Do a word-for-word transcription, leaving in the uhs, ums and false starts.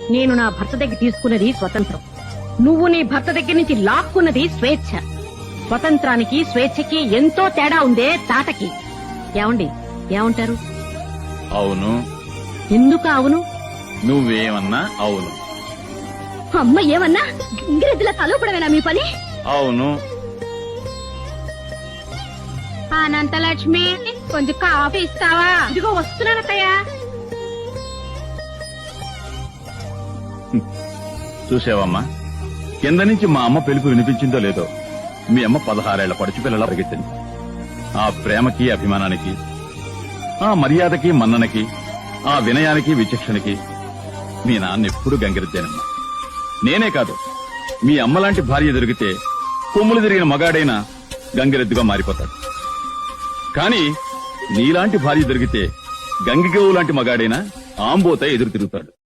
నేను నా భర్త దగ్గర తీసుకున్నది స్వతంత్రం, నువ్వు నీ భర్త దగ్గర నుంచి లాక్కున్నది స్వేచ్ఛ. స్వతంత్రానికి స్వేచ్ఛకి ఎంతో తేడా ఉందే తాటకి. ఏమండి ఏమంటారు? అవును. ఎందుకు అవును? నువ్వేమన్నా అవును. అమ్మ ఏమన్నా ఇంగ్రెద్దుల తలపడమేనా మీ పని? అవును. అనంతలక్ష్మి, కొంచెం కాఫీ ఇస్తావా? ఇదిగో వస్తున్నానత్తయ్యా. చూసావమ్మా, కింద నుంచి మా అమ్మ పిలుపు వినిపించిందో లేదో, మీ అమ్మ పదహారేళ్ల పడుచు పిల్లలా పరిగెత్తింది. ఆ ప్రేమకి అభిమానానికి, ఆ మర్యాదకి మన్ననకి, ఆ వినయానికి విచక్షణకి మీ నాన్న ఎప్పుడు గంగిరెద్దేనమ్మా. నేనే కాదు, మీ అమ్మలాంటి భార్య దొరికితే కొమ్ములు తిరిగిన మగాడైనా గంగిరెద్దుగా మారిపోతాడు. కానీ నీలాంటి భార్య దొరికితే గంగిగోవు లాంటి మగాడైనా ఆంబోత ఎదురు తిరుగుతాడు.